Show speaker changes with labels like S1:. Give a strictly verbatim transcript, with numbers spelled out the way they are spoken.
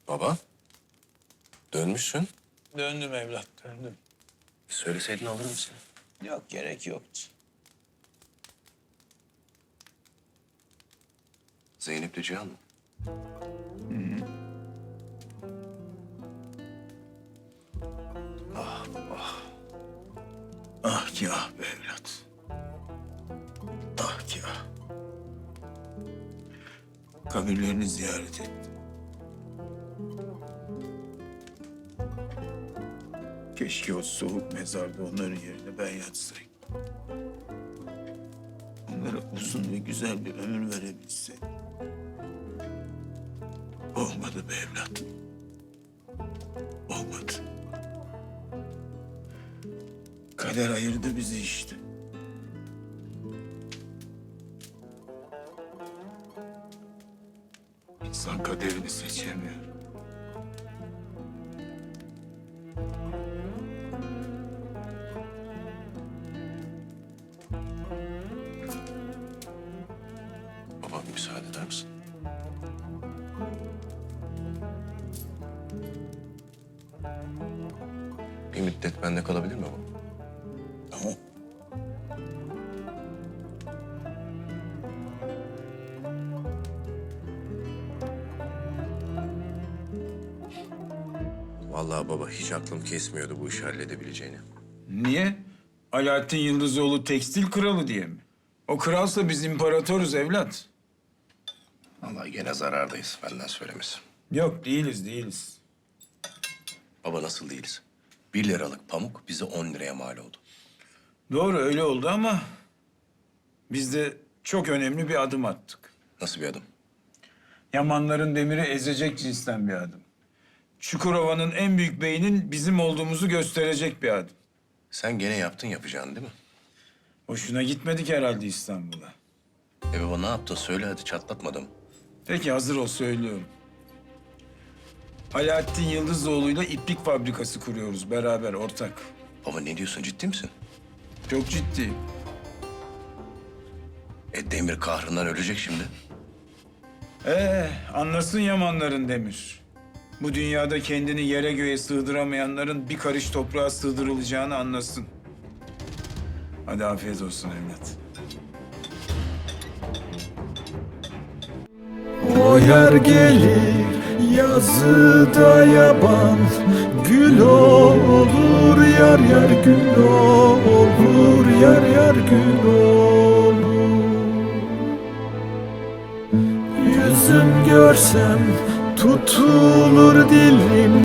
S1: Baba, dönmüşsün.
S2: Döndüm evlat, döndüm.
S1: Söyleseydin alır mısın?
S2: Yok, gerek yoktu.
S1: Zeynep'le Cihan mı?
S2: Ah ki ah be evlat. Ah ki ah. Kabirlerini ziyaret ettim. Keşke o soğuk mezarda onların yerine ben yatsaydım. Onlara uzun ve güzel bir ömür verebilseydim. Olmadı be evlat. Olmadı. Kader ayırdı bizi işte. İnsan kaderini seçemiyor.
S1: Baba bir müsaade eder misin? Bir müddet bende kalabilir mi baba?
S2: Tamam.
S1: Vallahi baba hiç aklım kesmiyordu bu işi halledebileceğini.
S3: Niye? Alaaddin Yıldızoğlu tekstil kralı diye mi? O kralsa biz imparatoruz evlat.
S1: Vallahi gene zarardayız benden söylemesi.
S3: Yok değiliz değiliz.
S1: Baba nasıl değiliz? Bir liralık pamuk bize on liraya mal oldu.
S3: Doğru öyle oldu ama biz de çok önemli bir adım attık.
S1: Nasıl bir adım?
S3: Yamanların demiri ezecek cinsten bir adım. Çukurova'nın en büyük beynin bizim olduğumuzu gösterecek bir adım.
S1: Sen gene yaptın yapacağını değil mi?
S3: Hoşuna gitmedik herhalde İstanbul'a.
S1: E baba ne yaptın söyle hadi çatlatmadım.
S3: Peki hazır ol söylüyorum. Alaaddin Yıldızoğlu'yla iplik fabrikası kuruyoruz beraber ortak.
S1: Baba ne diyorsun ciddi misin?
S3: Çok ciddi.
S1: E Demir kahrından ölecek şimdi.
S3: Ee, anlasın Yamanların demir. Bu dünyada kendini yere göğe sığdıramayanların bir karış toprağa sığdırılacağını anlasın. Hadi afiyet olsun evlat.
S4: O yer gelir yazıda yaban, gül olur yar yar gül olur yar yar gül olur. Yüzüm görsem tutulur dilim,